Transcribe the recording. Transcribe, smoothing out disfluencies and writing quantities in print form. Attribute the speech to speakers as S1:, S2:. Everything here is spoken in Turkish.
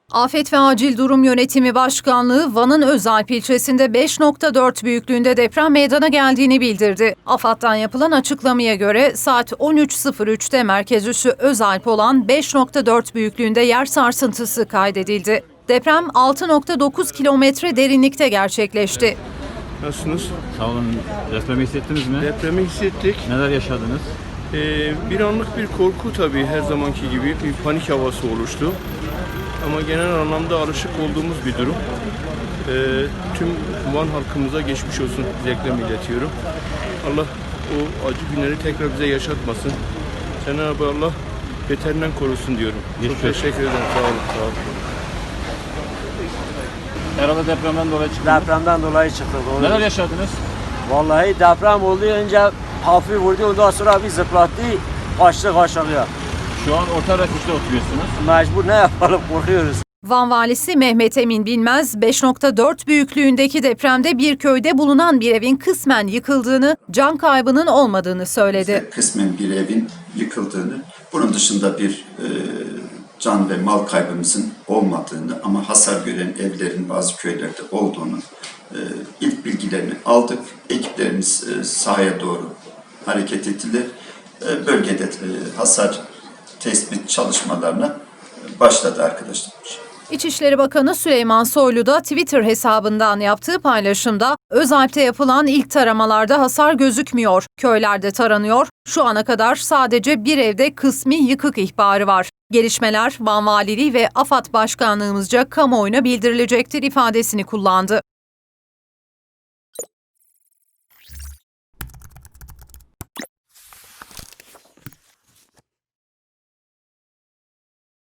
S1: Afet ve Acil Durum Yönetimi Başkanlığı, Van'ın Özalp ilçesinde 5.4 büyüklüğünde deprem meydana geldiğini bildirdi. AFAD'dan yapılan açıklamaya göre saat 13.03'te merkez üssü Özalp olan 5.4 büyüklüğünde yer sarsıntısı kaydedildi. Deprem 6.9 kilometre derinlikte gerçekleşti.
S2: Nasılsınız?
S3: Sağ olun. Depremi hissettiniz mi?
S2: Depremi hissettik.
S3: Neler yaşadınız?
S2: Bir anlık bir korku tabii, her zamanki gibi bir panik havası oluştu. Ama genel anlamda alışık olduğumuz bir durum. Tüm Van halkımıza geçmiş olsun dileklerimi iletiyorum. Allah o acı günleri tekrar bize yaşatmasın. Cenab-ı Allah beterinden korusun diyorum. Çok teşekkür ederim. Sağ olun. Sağ olun.
S3: Herhalde depremden dolayı çıktı.
S4: Depremden dolayı çıktı. Doğru.
S3: Neler yaşadınız?
S4: Vallahi deprem oldu, önce hafif vurdu, ondan sonra bir zıplattı, kaçtık aşağıya.
S3: Şu an orta refüjde oturuyorsunuz.
S4: Mecbur ne yapalım, korkuyoruz.
S1: Van valisi Mehmet Emin Bilmez, 5.4 büyüklüğündeki depremde bir köyde bulunan bir evin kısmen yıkıldığını, can kaybının olmadığını söyledi.
S5: Kısmen bir evin yıkıldığını, bunun dışında bir can ve mal kaybımızın olmadığını ama hasar gören evlerin bazı köylerde olduğunu ilk bilgilerini aldık. Ekiplerimiz sahaya doğru hareket ettiler. Bölgede hasar tespit çalışmalarına başladı arkadaşlar.
S1: İçişleri Bakanı Süleyman Soylu da Twitter hesabından yaptığı paylaşımda Özalp'te yapılan ilk taramalarda hasar gözükmüyor. Köylerde taranıyor. Şu ana kadar sadece bir evde kısmi yıkık ihbarı var. Gelişmeler Van Valiliği ve AFAD Başkanlığımızca kamuoyuna bildirilecektir ifadesini kullandı.